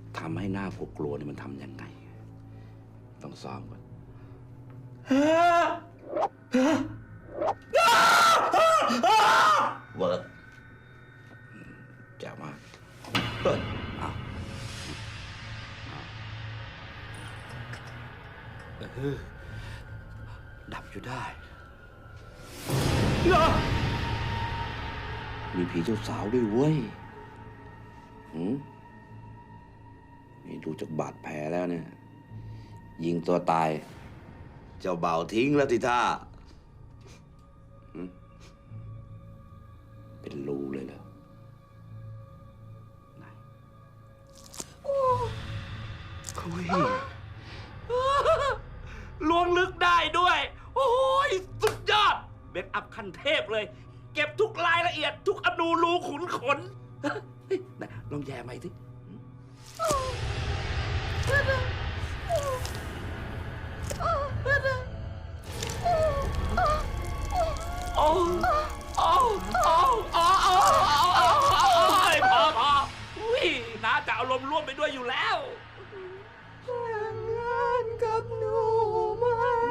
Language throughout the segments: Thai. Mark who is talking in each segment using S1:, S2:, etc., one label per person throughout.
S1: ทำให้หน้าพวกกลัวนี่มันทำยังไง ต้องซ้อมก่อนเวิร์กแจ๋วมากเอาดับอยู่ได้ มีผีเจ้าสาวด้วยเว้ยนี่ดูจากบาดแผลแล้วเนี่ย ยิงตัวตาย เจ้าเบ่าวทิ้งแล้วทีท่าเป็นรูเลยเหรอไหนโอ้ย
S2: ล้วงลึกได้ด้วย โอ้ยสุดยอดเบคอัพขั้นเทพเลย เก็บทุกรายละเอียดทุกอนูรูขุนขนไหนลองแย่ใหม่สิโอ้โอ้โอ้โอ้โอ้พออุ้ยน้าจะอารมณ์ร่วมไปด้วยอยู่แล้ว
S3: แต่งงานกับหนูไหม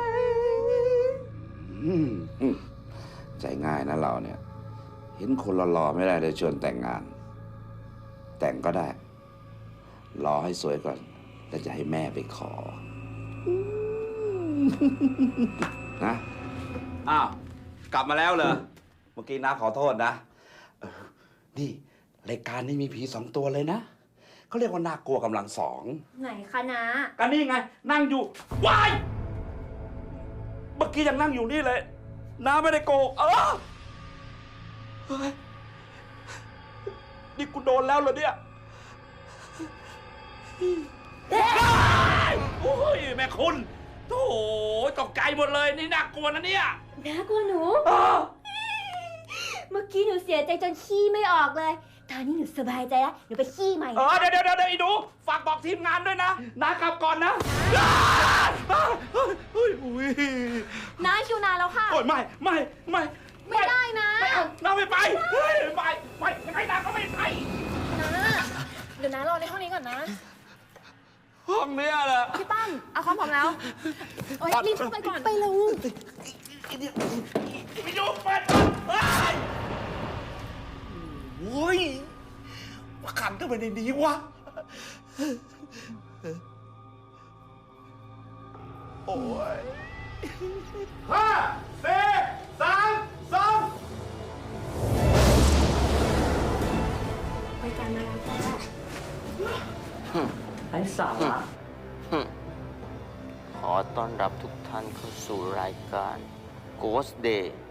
S1: ใจง่ายนะเราเนี่ย เห็นคนหล่อๆไม่ได้เลยชวนแต่งงาน แต่งก็ได้ รอให้สวยก่อน แล้วจะให้แม่ไปขอนะอ้าว กลับมาแล้วเหรอ เมื่อกี้น้าขอโทษนะนี่รายการนี้มีผี2 ตัวเลยนะเขาเรียกว่าน่ากลัวกำลัง2
S3: ไหนคะนะ
S2: กันนี่ไง นั่งอยู่วายเมื่อกี้ยังนั่งอยู่นี่เลยน้าไม่ได้โกหกเฮ้ยนี่กูโดนแล้วเหรอเนี่ยโอ้ยแม่คุณโถ่ตกใจหมดเลยนี่น่ากลัวนะเนี่ย
S3: น่ากลัวหนู เมื่อกี้หนูเสียใจจนขี้ไม่ออกเลย ตอนนี้หนูสบายใจแล้วหนูไปขี้ใหม่
S2: เดี๋ยวไอ้หนูฝากบอกทีมงานด้วยนะน้ากลับก่อนนะ
S3: น้าคิวนาแล้วค่ะ
S2: โอ้ยไม่
S3: ได้นะ
S2: ไม่เอาน้าไม่ไปไม่ยังไงน้าก็ไม่ไป
S3: นะเดี๋ยวน้ารอในห้องนี้ก่อนนะ
S2: ห้องเนี้ยแหละ
S3: พี่ตั้มเอาความพร้อมแล้วโอ๊ยรีบเข้าไปก่อนไปเร็ว
S2: พี่ดูเปิดโอ้ยว่าขันทำไมในนี้วะโอ้ย5 4 3 2
S3: ไปกันมาแล้วจ้า
S2: ไอ้สาระ
S4: ขอต้อนรับทุกท่านเข้าสู่รายการ Ghost Day